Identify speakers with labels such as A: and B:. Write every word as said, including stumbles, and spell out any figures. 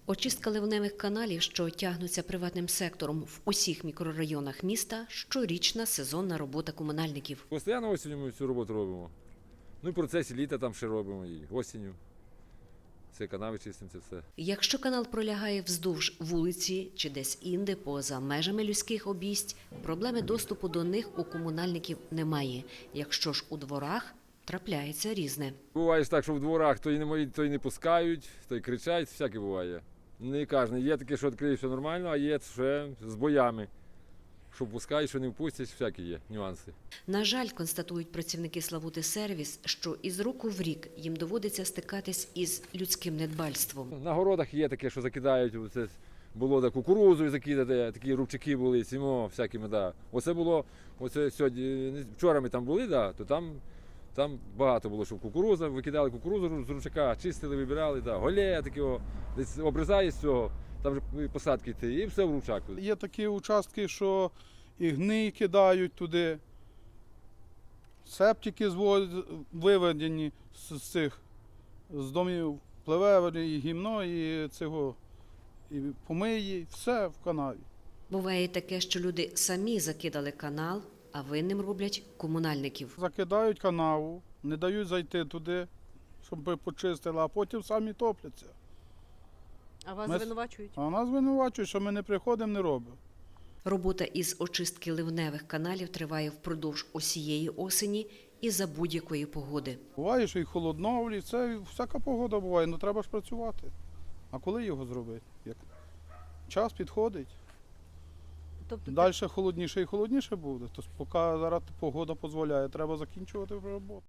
A: Очистка ливневих каналів, що тягнуться приватним сектором в усіх мікрорайонах міста – щорічна сезонна робота комунальників.
B: Постійно осінню ми цю роботу робимо. Ну і в процесі літа там ще робимо, і осінню. Це канави чистимо, це все.
A: Якщо канал пролягає вздовж вулиці чи десь інде поза межами людських обійсть, проблеми доступу до них у комунальників немає. Якщо ж у дворах – трапляється різне.
B: Буває ж так, що в дворах то й не, мої- то й не пускають, то й кричать, всяке буває. Не кожен. Є таке, що відкриє все нормально, а є ще з боями. Що пускають, що не впустять, всякі є нюанси.
A: На жаль, констатують працівники Славути Сервіс, що із року в рік їм доводиться стикатись із людським недбальством.
B: На городах є таке, що закидають, оце було да, кукурудзу закидати, такі рубчаки були, сімо, всякими, да. Оце було, оце сьогодні, вчора ми там були, да, то там, там багато було, що кукурудза, викидали кукурудзу з рубчака, чистили, вибирали, да, голея такого, десь обрізає з цього, там вже посадки йти, і все в рубчак.
C: Є такі участки, що і гний кидають туди, септики звод- виведені з з цих з домів, пливе і гімно, і цього, і помиї, все в канаві.
A: Буває таке, що люди самі закидали канал, а винним роблять комунальників.
C: Закидають канаву, не дають зайти туди, щоб ми почистили, а потім самі топляться.
D: А вас
C: Ми-
D: звинувачують?
C: А нас звинувачують, що ми не приходимо, не робимо.
A: Робота із очистки ливневих каналів триває впродовж усієї осені і за будь-якої погоди.
C: Буває, що і холодно, і це всяка погода буває, ну треба ж працювати. А коли його зробити? Як? Час підходить.
D: Тобто
C: Далі холодніше і холодніше буде. Тож поки зараз погода дозволяє, треба закінчувати роботу.